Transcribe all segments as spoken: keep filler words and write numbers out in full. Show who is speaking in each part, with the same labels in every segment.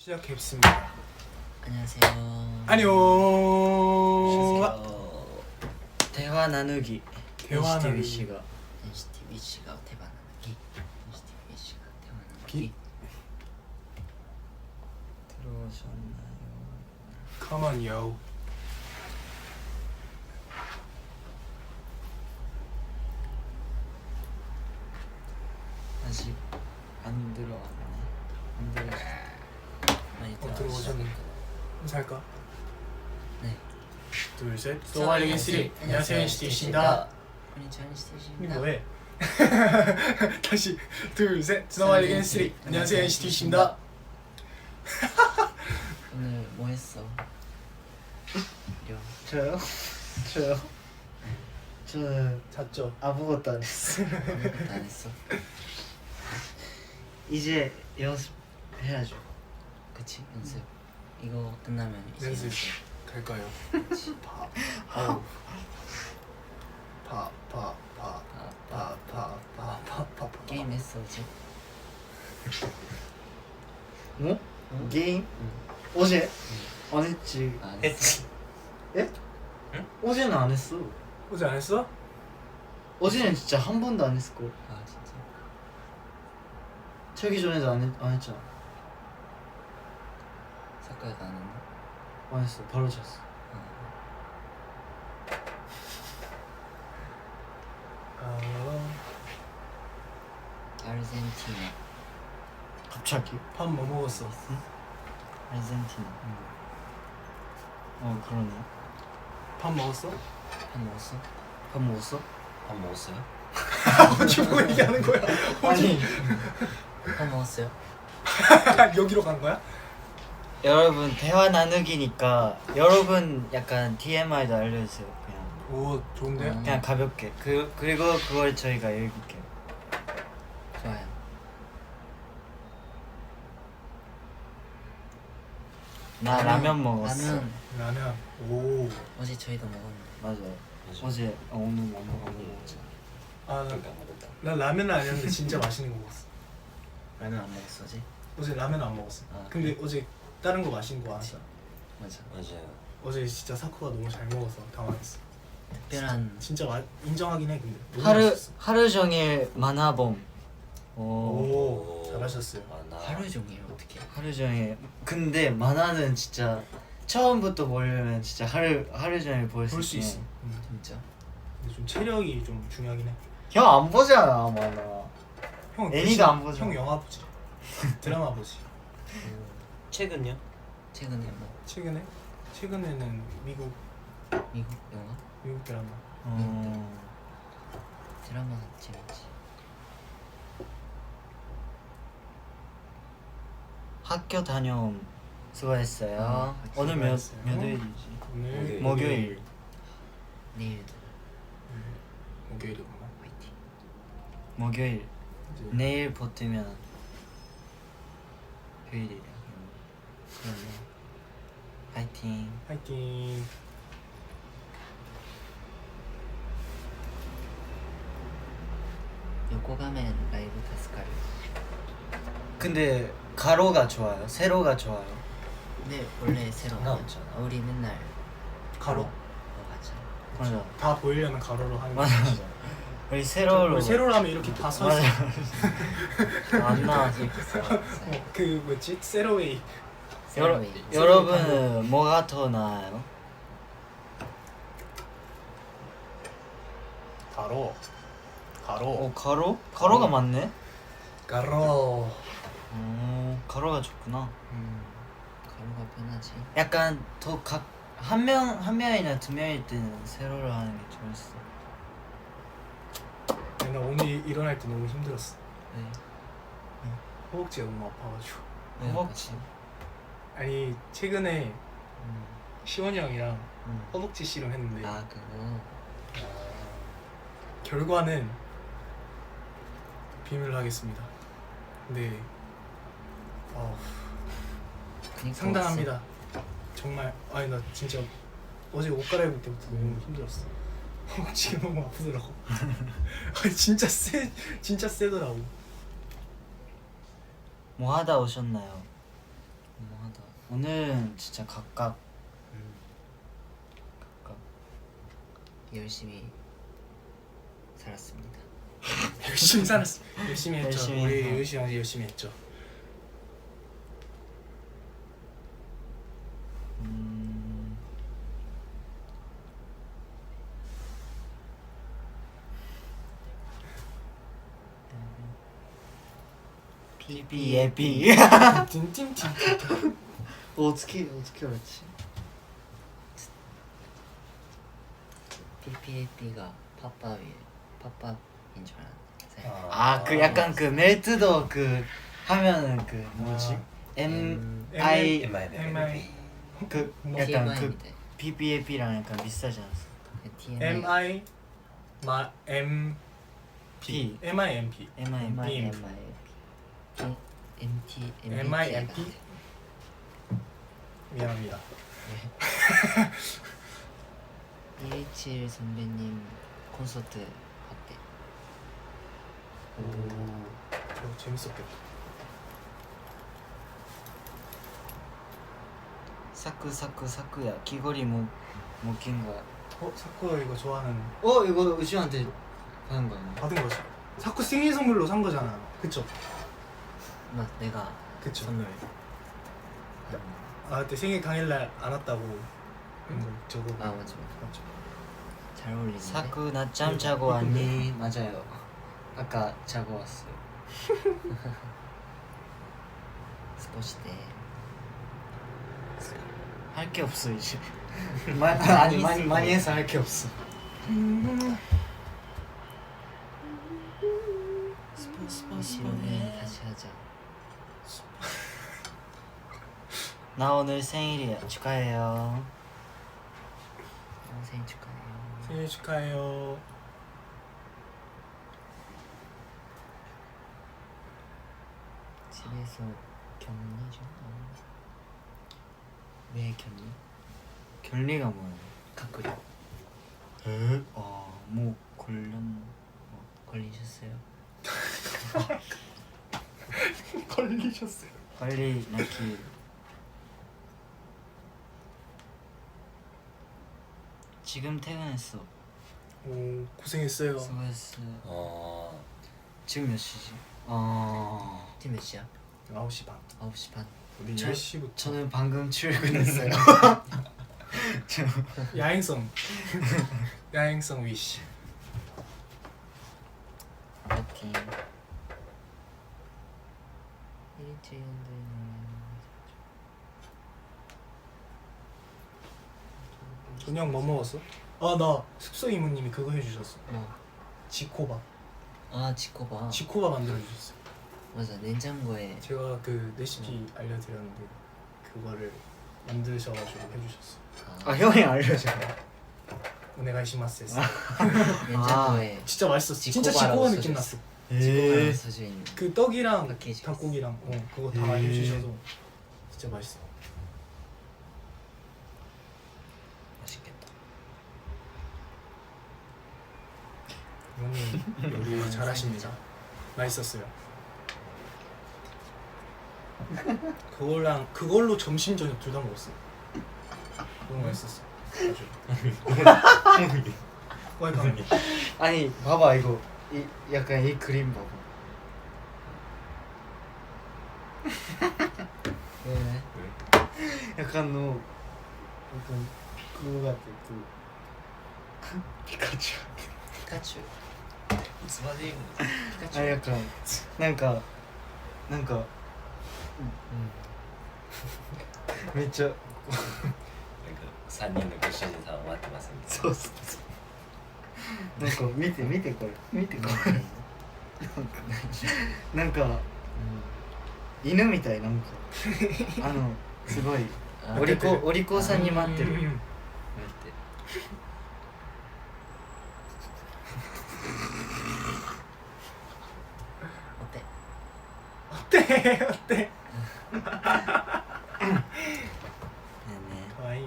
Speaker 1: 시작했습니다.
Speaker 2: 안녕하세요.
Speaker 1: 안녕.
Speaker 2: 대화 나누기.
Speaker 1: 대화 나누기.
Speaker 2: 엔씨티비씨가 엔씨티비씨가 대화 나누기. 엔씨티비씨가 대화 나누기. 들어오셨나요?
Speaker 1: Come on, yo.
Speaker 2: 아직 안 들어왔네. 안 들어. 많이
Speaker 1: 어, 들어오셨네. 인사할까?
Speaker 2: 네.
Speaker 1: 둘, 셋. 노말리긴 쓰리. 안녕하세요, 엔시티씨입니다.
Speaker 2: 안녕하세요, 엔시티씨입니다.
Speaker 1: 이거 뭐해? 다시 둘, 셋. 노말리긴 쓰리. 안녕하세요, 엔시티씨입니다.
Speaker 2: 오늘 뭐 했어? 려.
Speaker 3: 저요? 저요? 저는
Speaker 1: 잤죠?
Speaker 3: 아무것도 안 했어.
Speaker 2: 아무것도 안 했어?
Speaker 3: 이제 연습해야죠.
Speaker 2: 그치? 연습. 이거 끝나면 이제
Speaker 1: 연습.
Speaker 2: 연습.
Speaker 1: 갈까요?
Speaker 2: 그치?
Speaker 1: 파. 아우. 파, 파, 파.
Speaker 2: 아,
Speaker 1: 파, 파, 파, 파, 파, 파.
Speaker 2: 게임 했어 어제?
Speaker 3: 뭐?
Speaker 2: 응?
Speaker 3: 게임?
Speaker 2: 응.
Speaker 3: 어제? 안 했지.
Speaker 2: 안 했어?
Speaker 3: 예?
Speaker 1: 응?
Speaker 3: 어제는 안 했어.
Speaker 1: 어제 안 했어?
Speaker 3: 어제는 진짜 한 번도 안 했을 걸.
Speaker 2: 아 진짜?
Speaker 3: 자기 전에도 안, 했, 안 했잖아.
Speaker 2: 사과도 안 했나?
Speaker 3: 안 했어. 바로 잤어.
Speaker 1: 아,
Speaker 2: 아르헨티나.
Speaker 3: 갑자기?
Speaker 1: 밥 뭐 먹었어?
Speaker 2: 아르헨티나.
Speaker 3: 어 그러네.
Speaker 1: 밥 먹었어?
Speaker 2: 밥 먹었어?
Speaker 3: 밥 먹었어?
Speaker 2: 밥 먹었어요?
Speaker 1: 어찌 뭐 얘기하는 거야?
Speaker 3: 아니
Speaker 2: 밥 먹었어요?
Speaker 1: 여기로 간 거야?
Speaker 3: 여러분 대화 나누기니까 여러분 약간 티엠아이도 알려주세요. 그냥
Speaker 1: 오, 좋은데?
Speaker 2: 음.
Speaker 3: 그냥 가볍게. 그 그리고 그걸 저희가 읽을게요.
Speaker 2: 좋아요.
Speaker 3: 나 라면 먹었어.
Speaker 2: 라면
Speaker 1: 라면. 오.
Speaker 2: 어제 저희도 먹었는데.
Speaker 3: 맞아요. 어제 어, 오늘 뭐 먹- 안 먹었죠.
Speaker 1: 아, 나, 나 라면은 아니었는데 진짜 맛있는 거 먹었어.
Speaker 2: 라면 안 먹었어 어제?
Speaker 1: 어제 라면 안 먹었어.
Speaker 2: 아,
Speaker 1: 근데 어제 다른 거 맛있는 거 알았어.
Speaker 2: 맞아.
Speaker 4: 맞아요.
Speaker 1: 어제 진짜 사쿠가 너무 잘 먹어서 당황했어.
Speaker 2: 특별한
Speaker 1: 진짜 마, 인정하긴 해 근데. 너무
Speaker 3: 하루
Speaker 1: 맛있었어.
Speaker 3: 하루 종일 만화봄. 오.
Speaker 1: 오, 잘하셨어요.
Speaker 4: 아, 나
Speaker 2: 하루 종일 어떻게?
Speaker 3: 하루 종일. 근데 만화는 진짜 처음부터 보려면 진짜 하루 하루 종일 볼 수
Speaker 1: 볼 수 있어.
Speaker 3: 있어.
Speaker 1: 음.
Speaker 2: 진짜?
Speaker 1: 근데 좀 체력이 좀 중요하긴 해.
Speaker 3: 형안 보잖아 만화.
Speaker 1: 형
Speaker 3: 애니도
Speaker 1: 대신-
Speaker 3: 안 보죠.
Speaker 1: 형 영화 보지. 드라마 보지.
Speaker 4: 최근요?
Speaker 2: 최근에 뭐
Speaker 1: 최근에 최근에는 미국
Speaker 2: 미국 영화?
Speaker 1: 미국 드라마.
Speaker 3: 어.
Speaker 2: 드라마 재밌지.
Speaker 3: 학교 다녀옴 수고했어요.
Speaker 1: 아,
Speaker 3: 오늘 몇
Speaker 1: 수고했어요.
Speaker 3: 몇 일이지?
Speaker 1: 오늘
Speaker 3: 목요일.
Speaker 2: 내일도
Speaker 1: 음, 목요일이구나.
Speaker 2: 화이팅.
Speaker 3: 목요일.
Speaker 1: 이제
Speaker 3: 내일 버티면 휴일이야. 그러네. 파이팅.
Speaker 1: 파이팅.
Speaker 2: 요코 가면 라이브 타스카를.
Speaker 3: 근데 가로가 좋아요. 세로가 좋아요.
Speaker 2: 근데 원래 새로
Speaker 4: 상관없잖아.
Speaker 2: 우리 맨날
Speaker 1: 가로.
Speaker 2: 어 맞아.
Speaker 3: 맞아.
Speaker 1: 다 보이려면 가로로 하는 거.
Speaker 3: 맞아 맞아. 우리 세로로.
Speaker 1: 우리 세로로 하면 이렇게 다 서 있어.
Speaker 3: 맞아. 안 나와서.
Speaker 1: 어, 그 뭐지? 세로웨이.
Speaker 3: 여러
Speaker 2: 세로웨이.
Speaker 3: 여러분은 뭐가 더 나아요?
Speaker 1: 가로. 가로.
Speaker 3: 어 가로? 가로가 맞네.
Speaker 1: 가로.
Speaker 3: 오 가로가 좋구나.
Speaker 1: 음.
Speaker 2: 가루가 편하지.
Speaker 3: 약간 더 각 한 명 한 명이나 두 명일 때는 세로로 하는 게 좋았어.
Speaker 1: 나 오늘 일어날 때 너무 힘들었어.
Speaker 2: 네.
Speaker 1: 허벅지가 너무 아파가지고.
Speaker 2: 네,
Speaker 3: 허벅지.
Speaker 1: 아니 최근에
Speaker 2: 음.
Speaker 1: 시원이 형이랑
Speaker 3: 음.
Speaker 1: 허벅지 씨름했는데
Speaker 2: 아 그거.
Speaker 1: 결과는 비밀로 하겠습니다. 근데 어,
Speaker 2: 그니까
Speaker 1: 상당합니다. 정말 아니 나 진짜 어제 옷 갈아입을 때부터 너무 힘들었어. 허벅지가 너무 아프더라고. 아니 진짜 세 진짜 세더라고.
Speaker 3: 뭐 하다 오셨나요?
Speaker 2: 뭐
Speaker 3: 오늘은 진짜 각각
Speaker 2: 음,
Speaker 3: 각각
Speaker 2: 열심히 살았습니다.
Speaker 1: 열심히 살았어. 열심히 했죠.
Speaker 3: 열심히
Speaker 1: 우리
Speaker 3: 해서.
Speaker 1: 유시 형이 열심히 했죠.
Speaker 3: 음... 피비에피
Speaker 1: 띵띵띵.
Speaker 3: 어떻게 어떻게 알았지?
Speaker 2: 피피에이피가 팝팝이 팝팝인 줄 알았는데.
Speaker 3: 아 그 약간 그 멜트도 그 하면은 그 뭐지?
Speaker 1: 아.
Speaker 3: M
Speaker 2: M-
Speaker 3: I
Speaker 1: M I
Speaker 3: 그
Speaker 1: 뭐
Speaker 3: 약간 그
Speaker 2: 티엠아이인데.
Speaker 3: 피비에피랑 약간 비슷하지 않았어?
Speaker 2: 티엠아이.
Speaker 1: M I 마 M
Speaker 3: P
Speaker 1: M I M P
Speaker 3: M I M P
Speaker 1: M.
Speaker 2: 엠아이엠피 엠티
Speaker 1: M I M P 미안합니다.
Speaker 2: 이에이치일 선배님 콘서트 갔대.
Speaker 1: 저 재밌었겠다.
Speaker 3: 사쿠 사쿠 사쿠야 귀걸이 못 못낀 거야.
Speaker 1: 어 사쿠가 이거 좋아하는
Speaker 3: 어 이거 의시한테 받은 거 아니야?
Speaker 1: 받은 거지. 사쿠 생일 선물로 산 거잖아. 그쵸?
Speaker 2: 막 내가
Speaker 1: 그쵸.
Speaker 2: 선물.
Speaker 1: 아 그때 생일 당일날 안 왔다고 응? 저거
Speaker 2: 아 맞아 맞아.
Speaker 1: 맞죠.
Speaker 2: 잘 어울리는데.
Speaker 3: 사쿠 낮잠 자고 왔니? 맞아요. 아까 자고 왔어요.
Speaker 2: 스포츠 때.
Speaker 3: 할 게 없어 이제. 마, 아니 많이 많이 해서 할 게 없어.
Speaker 2: 이시로는 다시 하자.
Speaker 3: 나 오늘 생일이야. 축하해요.
Speaker 2: 어, 생일 축하해요.
Speaker 1: 생일 축하해요.
Speaker 2: 집에서 격리 좀.
Speaker 3: 왜 결리? 결리가 뭐야?
Speaker 2: 가꾸리.
Speaker 3: 에? 아뭐 걸렸나?
Speaker 2: 걸리셨어요?
Speaker 1: 걸리셨어요.
Speaker 3: 빨리 나키. 지금 퇴근했어.
Speaker 1: 오 고생했어요.
Speaker 3: 수고했어.
Speaker 4: 어.
Speaker 3: 지금 몇 시지? 어.
Speaker 2: 지금 몇 시야?
Speaker 1: 아홉 시 반.
Speaker 2: 아홉 시 반.
Speaker 1: 우리
Speaker 3: 저-
Speaker 1: 열 시부터
Speaker 3: 저는 방금 출근했어요.
Speaker 1: 야행성 야행성 위시.
Speaker 2: 파이팅. 일주일인데.
Speaker 1: 저녁 뭐 먹었어? 아 나 숙소 이모님이 그거 해주셨어.
Speaker 2: 뭐?
Speaker 1: 지코바.
Speaker 2: 아 지코바.
Speaker 1: 지코바 만들어 주셨어.
Speaker 2: 맞아 냉장고에.
Speaker 1: 제가 그 레시피 알려드렸는데 그거를 만드셔가지고 해주셨어.
Speaker 3: 아 형이 알려줘.
Speaker 1: 오네가이시마스 했어.
Speaker 2: 냉장고에
Speaker 1: 진짜 맛있었어. 진짜
Speaker 2: 지코바라고
Speaker 1: 지코바 느낌
Speaker 2: 써져
Speaker 1: 났어.
Speaker 2: 지코바라고 써져 있는.
Speaker 1: 그 떡이랑
Speaker 2: 패키지.
Speaker 1: 닭고기랑 어 그거 다
Speaker 3: 에.
Speaker 1: 알려주셔서 진짜 맛있어.
Speaker 2: 맛있겠다.
Speaker 1: 이모님 요리 잘하십니다. 맛있었어요. 그걸랑 그걸로 점심 저녁 둘 다 먹었어. 너무 맛있었어. 아주. 와이프.
Speaker 3: 아니 봐봐 이거 이 약간 이 그림 봐봐.
Speaker 2: 왜?
Speaker 3: 약간 너 약간 그거 같아 그 피카츄.
Speaker 2: 피카츄.
Speaker 4: いつまで言うの
Speaker 2: 피카츄.
Speaker 3: 아 약간 뭔가 뭔가めっちゃ
Speaker 4: なんかさんにんのご主人さんを待ってますみたい
Speaker 3: そうそうそうなんか見て見てこれ見てこれなんか犬みたいなんかあのすごい
Speaker 2: あ
Speaker 3: お利口お利口さんに待ってる
Speaker 1: うん
Speaker 2: 待って。お手。
Speaker 1: 어때? 어때?
Speaker 3: ねえね
Speaker 1: 可愛いね.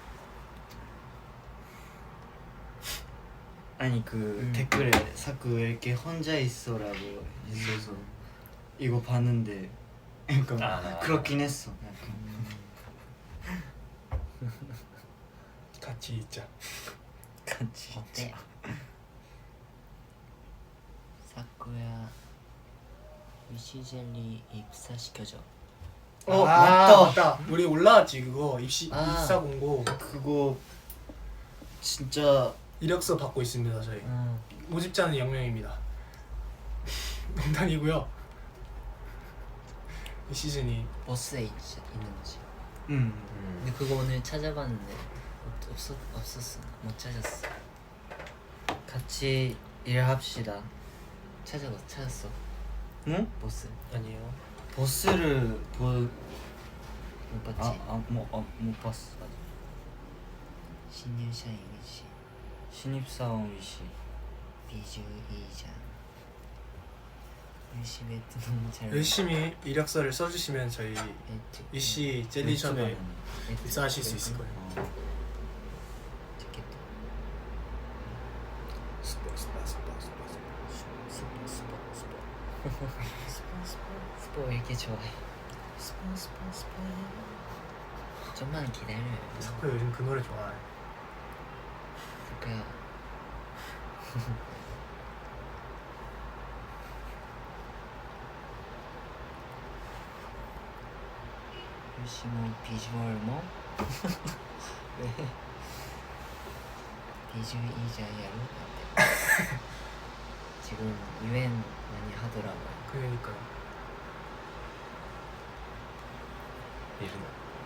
Speaker 3: え 아니 그
Speaker 2: 음.
Speaker 3: 댓글에 자꾸 왜 이렇게 혼자 있어라고 있어서 이거 봤는데 약간
Speaker 4: 아.
Speaker 3: 그렇긴 했어. 약간.
Speaker 1: 같이 있자.
Speaker 3: 같이
Speaker 2: 어때? 사쿠야 위시젤리 입사시켜줘.
Speaker 3: 어,
Speaker 1: 아,
Speaker 3: 맞다.
Speaker 1: 맞다. 우리 올라왔지 그거 입시
Speaker 2: 아.
Speaker 1: 입사 공고
Speaker 3: 그거 진짜
Speaker 1: 이력서 받고 있습니다 저희.
Speaker 2: 음.
Speaker 1: 모집자는 영 명입니다. 농담이고요. 이 시즌이
Speaker 2: 버스에 있, 있는 거지.
Speaker 3: 음
Speaker 4: 음.
Speaker 2: 근데 그거 오늘 찾아봤는데 없, 없었, 없었어. 못 찾았어.
Speaker 3: 같이 일합시다.
Speaker 2: 찾아, 찾았어.
Speaker 3: 응?
Speaker 2: 버스
Speaker 4: 아니요.
Speaker 3: 버스를 보...
Speaker 2: 못 봤지?
Speaker 3: 아아뭐못 봤어.
Speaker 2: 신入社員 위시
Speaker 3: 신입사원 위시.
Speaker 2: 비주이장 열심히 했더 너무 잘
Speaker 1: 열심히 이력서를 써주시면 저희 이씨 젤리숍에 입사하실 수 있을 거예요.
Speaker 2: 티켓도
Speaker 1: 스포 스포 스포 스포
Speaker 2: 스포 스포 스포 스포 스포 스포 왜 이렇게 좋아해? 스포 스포 스포 좀만 기다려요.
Speaker 1: 사쿠야 요즘 그 노래 좋아해.
Speaker 2: 사쿠야 역시 뭐 비주얼 뭐? 왜? 비주이자야로 지금 유엔 많이 하더라고요.
Speaker 1: 그러니까요.
Speaker 4: 이르노.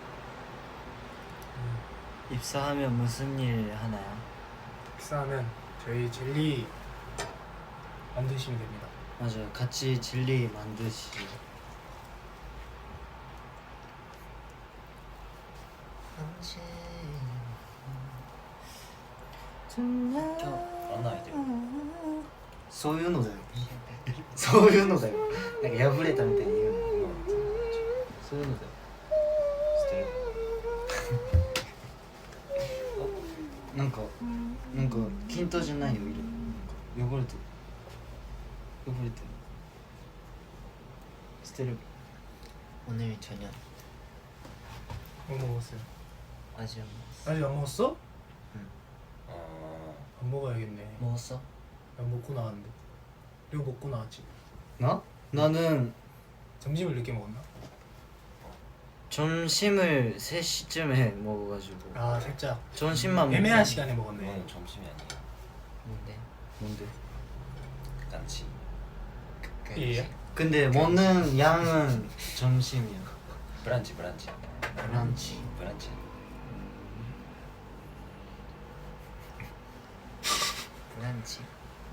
Speaker 1: 음,
Speaker 3: 입사하면 무슨 일 하나요?
Speaker 1: 입사하면 저희 젤리 만드시면 됩니다.
Speaker 3: 맞아요. 같이 진리 만드시죠.
Speaker 4: 그런 아이디어.
Speaker 3: そういうのだよ。そういうのだよ。なんか破れたみたいに言うの。そういうのだよ。
Speaker 4: 스테레오.
Speaker 3: なんかなんか均等じゃないよ色。なんか汚れてる。汚れてる。捨てる。
Speaker 2: 오늘 저녁
Speaker 1: 뭐 먹었어요?
Speaker 2: 아직 안 먹었어.
Speaker 1: 아직 안 먹었어?
Speaker 4: 어.
Speaker 1: 안 먹어야겠네.
Speaker 2: 먹었어?
Speaker 1: 난 먹고 나왔는데. 이거 먹고 나왔지.
Speaker 3: 나? 나는
Speaker 1: 점심을 늦게 먹었나?
Speaker 3: 점심을 세 시쯤에 먹어가지고
Speaker 1: 아 살짝
Speaker 3: 점심만
Speaker 1: 애매한
Speaker 3: 먹고.
Speaker 1: 시간에 먹었네.
Speaker 4: 이거는 점심이 아니에요.
Speaker 2: 뭔데?
Speaker 3: 뭔데?
Speaker 4: 깐치.
Speaker 1: 예.
Speaker 3: 근데 먹는 양은 점심이야.
Speaker 4: 브란치 브란치.
Speaker 2: 브런치.
Speaker 4: 브란치.
Speaker 2: 브런치.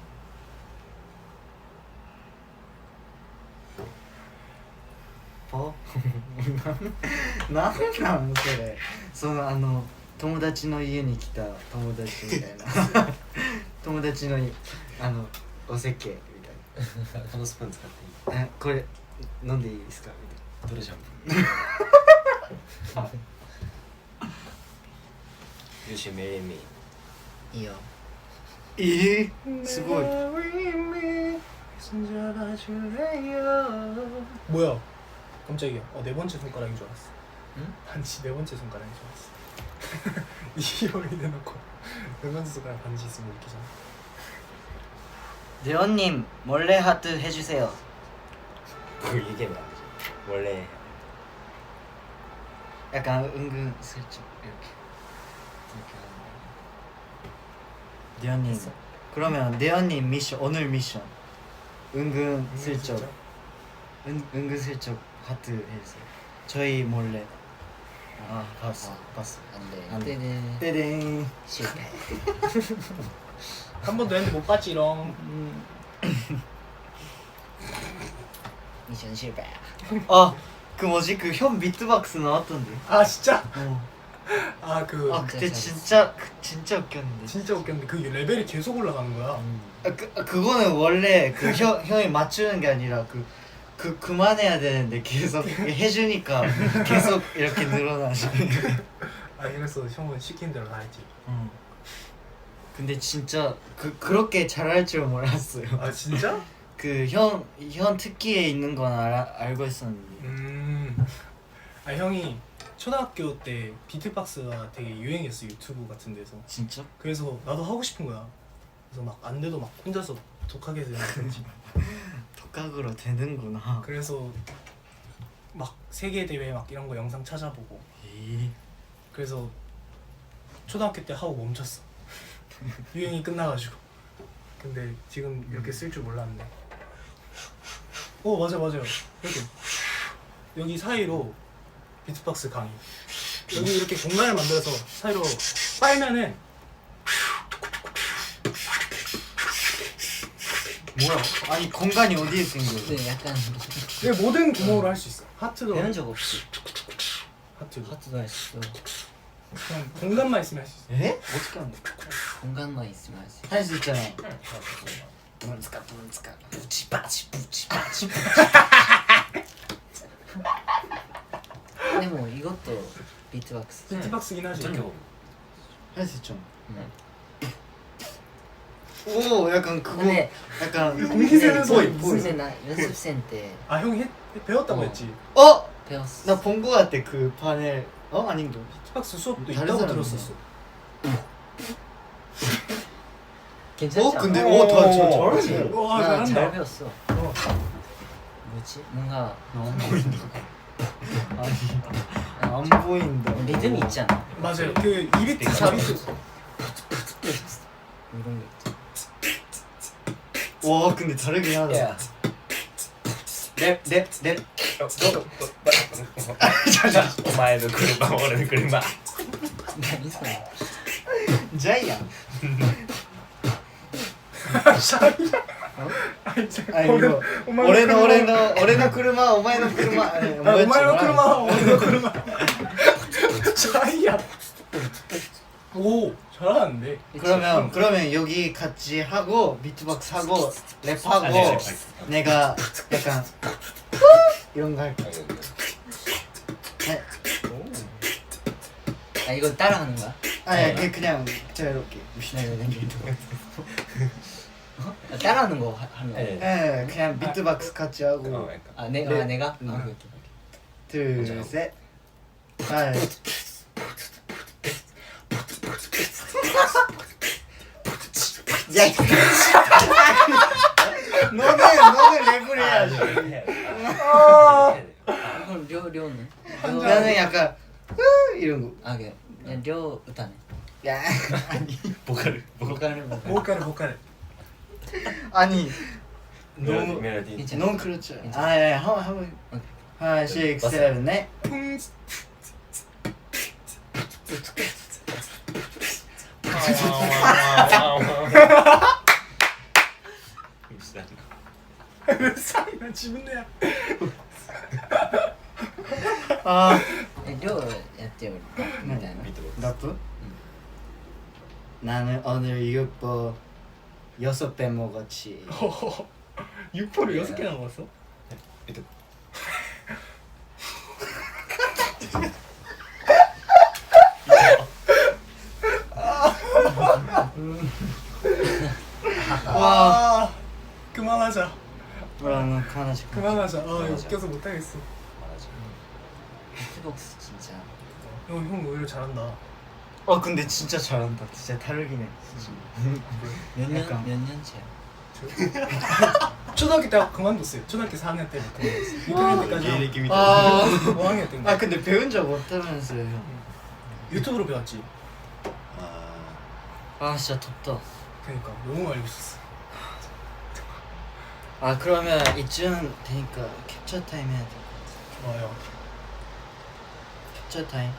Speaker 3: 어? なんなんそれそのあの友達の家に来た友達みたいな友達のあのおせっけみたい
Speaker 4: このスプーン使っていい？
Speaker 3: なえこれ飲んでいいですかみ
Speaker 4: どれシャンプー？You should marry me.
Speaker 2: 이요.
Speaker 3: たいなえー、すごい
Speaker 1: 뭐야? 깜짝이야. 어, 네 번째 손가락인 줄 알았어.
Speaker 2: 응?
Speaker 1: 반지 네 번째 손가락인 줄 알았어. 이형이 대놓고 네 번째 손가락 반지 있으면 웃기잖아.
Speaker 3: 대원님 몰래 하트 해주세요.
Speaker 4: 그걸 얘기하면 안 되죠. 원래
Speaker 3: 약간 은근 슬쩍 이렇게 이렇게 하는 거. 대원님 그러면 대원님 미션 오늘 미션 은근 슬쩍
Speaker 1: 진짜?
Speaker 3: 은, 은근슬쩍 하트 해주세요. 저희 몰래. 아 봤어
Speaker 2: 아.
Speaker 3: 봤어.
Speaker 2: 안돼.
Speaker 3: 안 돼.
Speaker 2: 때는
Speaker 3: 떼댕.
Speaker 2: 실패.
Speaker 1: 한 번도 했는데 못 봤지롱.
Speaker 2: 미션 실패.
Speaker 3: 아그 뭐지 그 현 비트박스 나왔던데.
Speaker 1: 아 진짜?
Speaker 3: 어.
Speaker 1: 아 그
Speaker 3: 아 그때
Speaker 2: 잘했어.
Speaker 3: 진짜 그, 진짜 웃겼는데.
Speaker 1: 진짜 웃겼는데 그 레벨이 계속 올라가는 거야.
Speaker 3: 아, 그 아, 그거는 원래 그 형 형이 맞추는 게 아니라 그. 그 그만해야 되는데 계속 해주니까 계속 이렇게 늘어나지.
Speaker 1: 아 이래서 형은 시킨 대로 다 했지.
Speaker 3: 응. 근데 진짜 그 그렇게 잘할 줄 몰랐어요.
Speaker 1: 아 진짜?
Speaker 3: 그 형 형 특기에 있는 건 알아, 알고 있었는데.
Speaker 1: 음. 아 형이 초등학교 때 비트박스가 되게 유행했어 유튜브 같은 데서.
Speaker 3: 진짜?
Speaker 1: 그래서 나도 하고 싶은 거야. 그래서 막 안 돼도 막 혼자서 독하게 되는 거지.
Speaker 3: 독학으로 되는구나.
Speaker 1: 그래서 막 세계 대회 막 이런 거 영상 찾아보고.
Speaker 3: 에이.
Speaker 1: 그래서 초등학교 때 하고 멈췄어. 유행이 끝나가지고. 근데 지금 이렇게 쓸 줄 몰랐네. 오 맞아 맞아요. 이렇게 여기 사이로 비트박스 강의. 여기 이렇게 공간을 만들어서 사이로 빨면은
Speaker 3: 뭐야? 아니 공간이 어디에 생겨?
Speaker 2: 네 약간
Speaker 1: 이게 모든 구멍으로 할 수 있어. 하트도
Speaker 2: 배운 적 없이
Speaker 1: 하트도
Speaker 2: 하트도 할 수 있어.
Speaker 1: 그냥 공간만 있으면 할 수 있어.
Speaker 3: 에? 어떻게 하는 거야?
Speaker 2: 공간만 있으면 할 수 있어.
Speaker 3: 할 수 있잖아. 문스카 문스카 부치바치 부치바치.
Speaker 2: 근데 뭐 이것도 비트박스.
Speaker 1: 비트박스긴 하지.
Speaker 4: 어떻게 보면
Speaker 3: 할 수 있잖아.
Speaker 2: 네.
Speaker 3: 오 약간 그거
Speaker 2: 근데
Speaker 3: 약간
Speaker 1: 공기세는 소리.
Speaker 2: 근데 나 연습생 때
Speaker 1: 아 형이 했, 배웠다고
Speaker 2: 어.
Speaker 1: 했지.
Speaker 3: 어?
Speaker 2: 배웠어.
Speaker 3: 나 본 거 같아 그 판을. 어 아닌가?
Speaker 1: 비트박스 수업도
Speaker 3: 다른
Speaker 1: 있다고
Speaker 3: 사람이네.
Speaker 1: 들었었어.
Speaker 2: 괜찮지
Speaker 3: 어
Speaker 2: 않아?
Speaker 3: 근데 오더 잘하지.
Speaker 1: 와
Speaker 2: 나
Speaker 1: 잘한다.
Speaker 2: 잘 배웠어.
Speaker 1: 어.
Speaker 2: 뭐지? 뭔가
Speaker 3: 안 보인다. 아니 안 보인다.
Speaker 2: 리듬이 있잖아.
Speaker 1: 맞아요. 그 이비트
Speaker 4: 빅
Speaker 1: 자비트.
Speaker 2: 이런 게 있잖아.
Speaker 3: 와 근데 다르긴 하다.
Speaker 4: 야
Speaker 3: 랩랩랩
Speaker 4: お前の車俺の車
Speaker 2: 何それ？
Speaker 3: ジャイアン。 あい
Speaker 1: 俺
Speaker 3: の俺の俺の俺の車お前の車。あ
Speaker 1: お前の車俺の車ジャイアン오 잘하는데.
Speaker 3: 그러면 그러면 여기 같이 하고 비트박스 하고 랩하고
Speaker 4: 아니, 랩
Speaker 3: 내가 약간 이런 거 할게. 네.
Speaker 2: 아 이거 따라하는 거야?
Speaker 3: 아니 그냥 그냥 자유롭게.
Speaker 2: 네, 네, 네. 어? 아, 따라하는 거 하- 하는 거.
Speaker 4: 네.
Speaker 3: 예 그냥 비트박스 같이
Speaker 4: 어,
Speaker 3: 하고
Speaker 4: 약간.
Speaker 2: 아, 내,
Speaker 3: 네.
Speaker 2: 아 내가?
Speaker 3: 음.
Speaker 2: 아, 오케이,
Speaker 3: 둘 셋. 아 야, 이 너는 너는 랩을 해야지.
Speaker 1: 아
Speaker 2: 그럼 려 려는?
Speaker 3: 나는 약간 으 이런 거.
Speaker 2: 아 그래. 그냥 려歌ね.
Speaker 3: 야 아니
Speaker 4: 보컬 보컬
Speaker 2: 보컬을 보컬.
Speaker 1: 보컬 보컬.
Speaker 3: 아니
Speaker 4: 멜로디
Speaker 3: 너무
Speaker 4: 멜로디
Speaker 2: 괜찮아.
Speaker 3: 너무 그렇죠.
Speaker 2: 괜찮아.
Speaker 3: 아예 한번 한번
Speaker 2: 오케이.
Speaker 3: 하나 씩 세븐 넷.
Speaker 1: 나 지분 내야.
Speaker 3: 아
Speaker 2: え려やってよみたいな.
Speaker 3: 라프? 나는 오늘 육포 여섯 배 먹었지.
Speaker 1: 육포를 여섯 개나 먹었어?
Speaker 3: 와.
Speaker 1: 아 그만하자.
Speaker 3: 와, 나 하나씩.
Speaker 1: 그만하자. 아 웃겨서 못하겠어.
Speaker 2: 비트박스 진짜.
Speaker 1: 형, 형 오히려 잘한다.
Speaker 3: 어 근데 진짜 잘한다. 진짜 다르긴 해.
Speaker 2: 몇 년?
Speaker 3: 약간.
Speaker 2: 몇 년째야?
Speaker 1: 초등학교 때 그만뒀어요. 초등학교 사 학년 때부터 육 학년 때까지
Speaker 4: 芸歴みたいな
Speaker 3: 아.
Speaker 1: 오 학년 때인가.
Speaker 3: 아 근데 배운 적 없다면서요.
Speaker 1: 유튜브로 배웠지.
Speaker 3: 아 진짜 덥다.
Speaker 1: 그러니까 너무 알고 있었어.
Speaker 3: 아 그러면 이쯤 되니까 캡처 타임 해야 돼.
Speaker 1: 좋아요.
Speaker 3: 캡처 타임.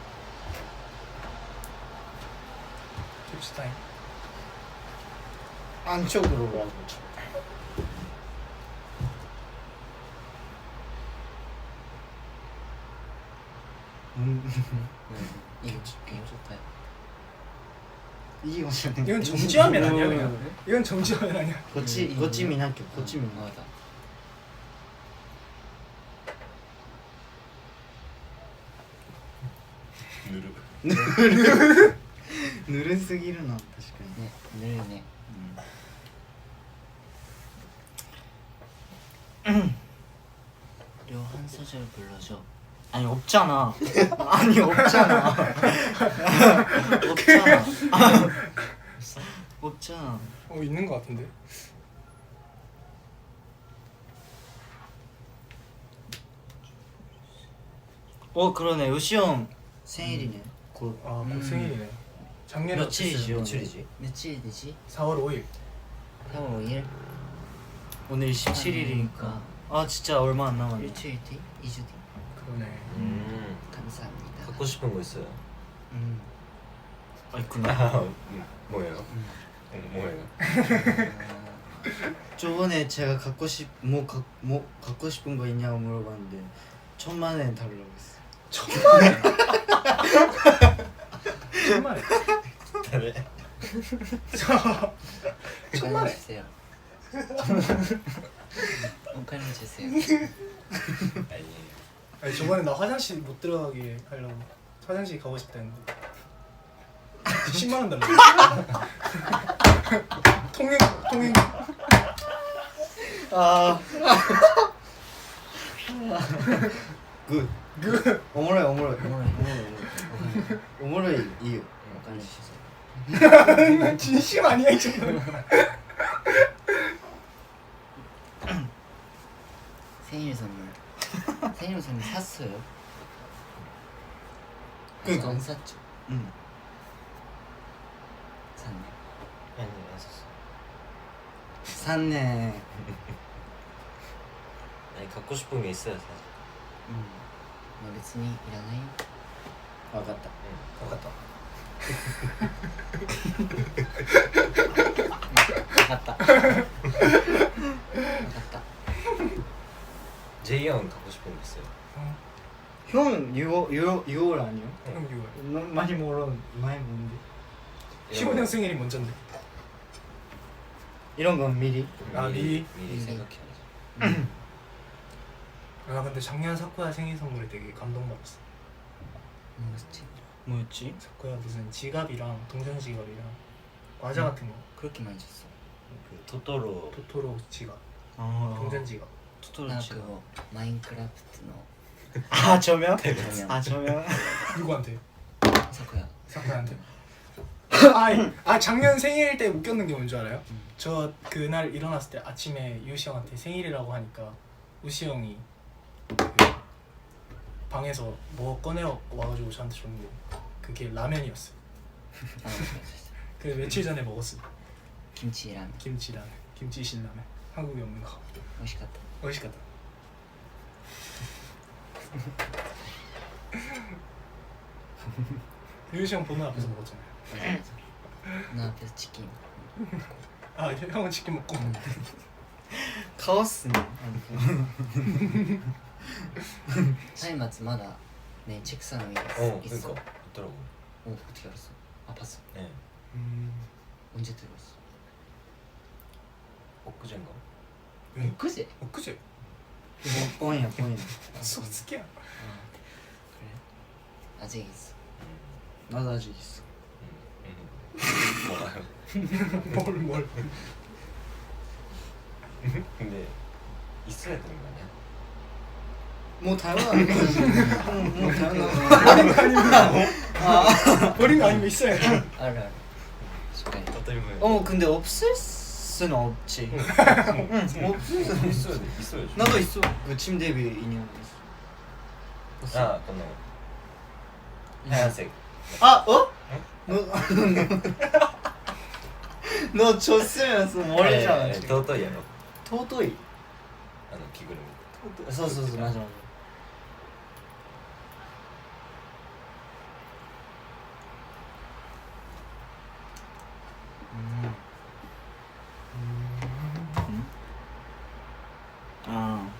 Speaker 1: 캡스 타임.
Speaker 3: 안쪽으로 가고. 음.
Speaker 2: 이거 이거 좋다.
Speaker 3: 이게 무슨?
Speaker 1: 이건 정지화면 아니야 그냥. 이건 정지화면 아니야.
Speaker 3: 고치
Speaker 2: 음,
Speaker 3: 고치민 학교 고치민.
Speaker 2: 어, 맞아.
Speaker 4: 누르
Speaker 3: 느른스기르나確かに.
Speaker 2: 네, 늘네. 려 한 소절 불러줘.
Speaker 3: 아니 없잖아. 아니 없잖아. 없잖아. 없어? 없잖아.
Speaker 1: 어 있는 거 같은데.
Speaker 3: 어 그러네. 요시 형 생일이네. 곧.
Speaker 1: 아, 곧
Speaker 2: 음.
Speaker 1: 생일이네. 작년에
Speaker 3: 며칠이지?
Speaker 1: 어땠어요?
Speaker 4: 며칠이지?
Speaker 2: 며칠 되지?
Speaker 1: 사월 오일.
Speaker 2: 사월 오일.
Speaker 3: 오늘 십칠일이니까. 아 진짜 얼마 안 남았네.
Speaker 2: 일주일 뒤? 이 주 뒤?
Speaker 1: 그러네.
Speaker 4: 음.
Speaker 2: 감사합니다.
Speaker 4: 갖고 싶은 거 있어요?
Speaker 3: 음. 아 있구나.
Speaker 4: 아, 음, 뭐예요? 음, 뭐예요?
Speaker 3: 저번에 제가 갖고 싶뭐 뭐 갖고 싶은 거 있냐고 물어봤는데 천만 원 달라고 했어.
Speaker 1: 정말.
Speaker 4: 다들
Speaker 1: 정말.
Speaker 2: 오카네 주세요. 오카네 주세요.
Speaker 4: 아니
Speaker 1: 아니 저번에 나 화장실 못 들어가게 하려고 화장실 가고 싶다 했는데 십만 원 달라. 통행 통행.
Speaker 3: 아. 굿.
Speaker 1: 그
Speaker 3: 오므라이 오므라이
Speaker 2: 오므라이.
Speaker 3: 오므라이 이유.
Speaker 2: 오카네 주세요.
Speaker 1: 진심 아니야 이 정도는.
Speaker 2: 생일 선물. 생일 선물 샀어요?
Speaker 3: 그니까.
Speaker 2: 아직 안 샀죠?
Speaker 3: 응.
Speaker 2: 샀네.
Speaker 4: 아니 안 썼어.
Speaker 3: 샀네.
Speaker 4: 아니 갖고 싶은 게 있어요 사실.
Speaker 2: 음. 뭐別にいらないよ.
Speaker 3: 와갔다.
Speaker 4: 응.
Speaker 1: 똑같다.
Speaker 2: 와갔다. 와갔다.
Speaker 4: 제이 형 갖고 싶은 거 있어요?
Speaker 3: 형 유월 유월 유월 아니요?
Speaker 1: 그럼 유월.
Speaker 3: 너 많이 멀어. 많이 뭔데?
Speaker 1: 십오 년 생일이 먼저인데.
Speaker 3: 이런 건 미리.
Speaker 1: 아, 미리?
Speaker 4: 미리
Speaker 2: 미리.
Speaker 4: 생각해야지.
Speaker 1: 아 근데 작년 사쿠야 생일 선물에 되게 감동받았어.
Speaker 2: 뭐였지?
Speaker 3: 뭐였지?
Speaker 1: 사쿠야 무슨 지갑이랑 동전 지갑이랑 과자
Speaker 2: 음.
Speaker 1: 같은 거.
Speaker 2: 그렇게 많이 줬어.
Speaker 4: 그 토토로
Speaker 1: 토토로 지갑,
Speaker 3: 아.
Speaker 1: 동전 지갑.
Speaker 3: 토토로
Speaker 2: な
Speaker 3: 치
Speaker 2: んかこうマインクラフトの
Speaker 3: 아 저면?
Speaker 2: 画面
Speaker 3: 아 저면?
Speaker 1: 누구한테?
Speaker 2: 昨夜
Speaker 1: 사쿠야한테. 아, 아 작년 생일 때 웃겼는 게 뭔지 알아요?
Speaker 2: 음.
Speaker 1: 저 그날 일어났을 때 아침에 유시 형한테 생일이라고 하니까 우시 형이 그 방에서 뭐 꺼내 와가지고 저한테 줬는데 그게 라면이었어요.
Speaker 2: あの
Speaker 1: 그 며칠 전에 먹었어.
Speaker 2: キムチラーメン
Speaker 1: 김치 라면, 김치 신라면. 한국에 없는 거.
Speaker 2: 美味しかった
Speaker 1: 맛있겠다. 유시 형 보는 앞에서 먹었잖아요.
Speaker 2: なあペスチキン
Speaker 1: 아 형은 치킨 먹고.
Speaker 3: 카오스네.
Speaker 2: 歳末まだねチェックさんの
Speaker 4: 어
Speaker 2: 있어.
Speaker 4: 그러니까 있더라고.
Speaker 2: 오 어떻게 알았어? 아 봤어.
Speaker 4: 네.
Speaker 1: 음,
Speaker 2: 언제 들어왔어?
Speaker 4: 엊그젠가?
Speaker 1: 응?
Speaker 2: 그제?
Speaker 1: 엊그제.
Speaker 3: 뻥이야 뻥이야.
Speaker 1: 소스키야.
Speaker 2: 그래? 아직 있어.
Speaker 3: 나도 아직 있어.
Speaker 4: 음, 음. 뭐가요?
Speaker 1: 뭘 뭘.
Speaker 4: 근데 있어야 되는 거 아니야?
Speaker 3: 뭐 당연한 거지. 응, 뭐 당연한.
Speaker 1: 버린 거 아니면 있어야지.
Speaker 2: あるあるしっかり
Speaker 4: 어떨면
Speaker 3: 어 근데 없을 수는 없지. 응 없을 수는
Speaker 4: 있어야 돼 있어야지.
Speaker 3: 나도 있어. 그 침대 위에 인형 있어.
Speaker 4: 아 건너 하얀색.
Speaker 3: 아 어? 너 너 줬으면서 머리잖아.
Speaker 4: 네,
Speaker 3: 지금.
Speaker 4: 토토이やろ
Speaker 3: 토도이.
Speaker 4: あの着ぐるみ。
Speaker 3: そうそうそう맞아 맞아. 음. 음. 아.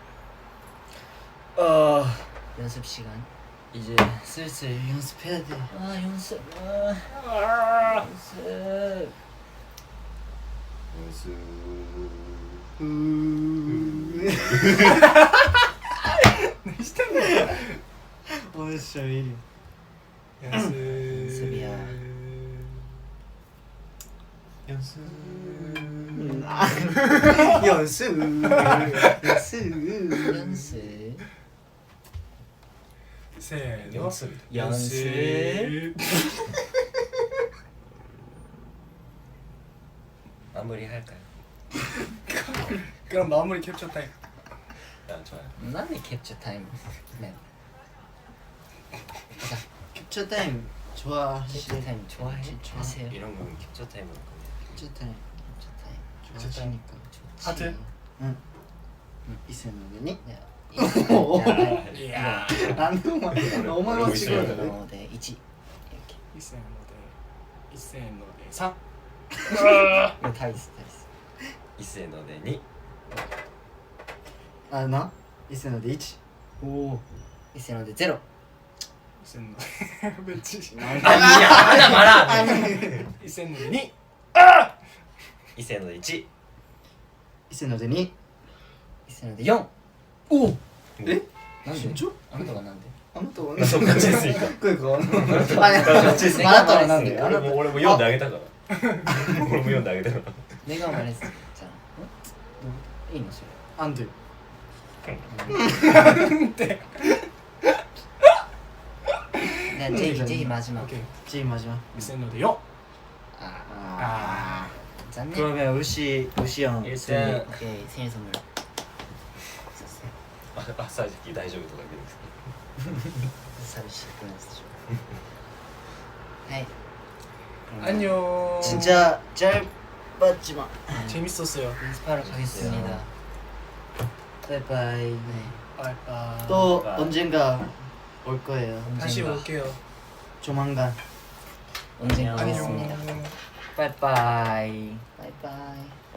Speaker 3: 어
Speaker 2: 연습 시간.
Speaker 3: 이제 슬슬 연습해야 돼.
Speaker 2: 아 연습. 아 연습.
Speaker 4: 연습.
Speaker 3: 오늘 진짜 왜 이래?
Speaker 1: 연습.
Speaker 2: 연습이야.
Speaker 4: 연습.
Speaker 3: 연습 연습
Speaker 2: 연습.
Speaker 1: 세, 노.
Speaker 4: 연습.
Speaker 2: 연습.
Speaker 4: 마무리 할까요?
Speaker 1: 그럼 마무리 캡처 타임.
Speaker 4: 아 좋아요.
Speaker 2: 난데 캡처 타임. 네. 자,
Speaker 3: 캡처 타임 좋아하시
Speaker 2: 캡처 타임 좋아해
Speaker 3: 좋아.
Speaker 2: 하세요.
Speaker 4: 이런 거는 캡처 타임으로 끝내.
Speaker 3: 캡처 타임
Speaker 2: 캡처 타임.
Speaker 3: 좋아하시니까
Speaker 2: 좋지.
Speaker 1: 하트.
Speaker 3: 응 이세の上に
Speaker 2: 네.
Speaker 3: 오.
Speaker 1: 이야.
Speaker 3: なんでお前お前は違うよね
Speaker 2: 어, 네, 이치 이렇게.
Speaker 1: 이세 노데. 이세 노데. 삼.
Speaker 2: 이거 다 있어, 다 있어.
Speaker 4: 一斉のでに
Speaker 3: あな伊勢のでいちおお
Speaker 2: 이세のでゼロ.
Speaker 1: 이세 노데. 매치.
Speaker 4: 아니야 하나 말아.
Speaker 1: 이세 노데 니.
Speaker 4: 一斉ので一
Speaker 3: 伊勢のでに
Speaker 2: 이세ので四.
Speaker 3: 오
Speaker 4: え
Speaker 2: 난데?
Speaker 3: 진짜?
Speaker 2: 아なたがなんで?
Speaker 3: あなたは
Speaker 4: 똑같이 했으니까.
Speaker 3: これかあいやあなたはなんであなた
Speaker 4: 俺も俺も読んであげたから俺も読んであげたから
Speaker 2: 내가 말했잖아. 어? 너, いいのそれ.
Speaker 3: 안 돼.
Speaker 2: 네, 제이 제이 마지막.
Speaker 1: 오케이.
Speaker 3: 제일 마지막.
Speaker 1: 이세 노데 요.
Speaker 2: 아,
Speaker 3: 아.
Speaker 2: 짠네.
Speaker 3: 그러면 우시 우시 형
Speaker 4: 일단
Speaker 2: 오케이, 생일 선물. 샀어요.
Speaker 4: マッサージ機大丈夫とか言うんですけ
Speaker 2: 사비씨 보냈어. 하이.
Speaker 1: 안녕.
Speaker 3: 진짜 짧았지만
Speaker 1: 재밌었어요.
Speaker 2: 연습하러 가겠습니다.
Speaker 3: 바이바이.
Speaker 2: 네.
Speaker 1: 빠이빠이.
Speaker 3: 또
Speaker 4: 바이바이.
Speaker 3: 언젠가 올 거예요.
Speaker 1: 다시
Speaker 2: 언젠가.
Speaker 1: 올게요.
Speaker 3: 조만간.
Speaker 2: 언젠가
Speaker 4: 안녕.
Speaker 2: 오겠습니다.
Speaker 1: 안녕.
Speaker 2: 빠이빠이. 빠이빠이.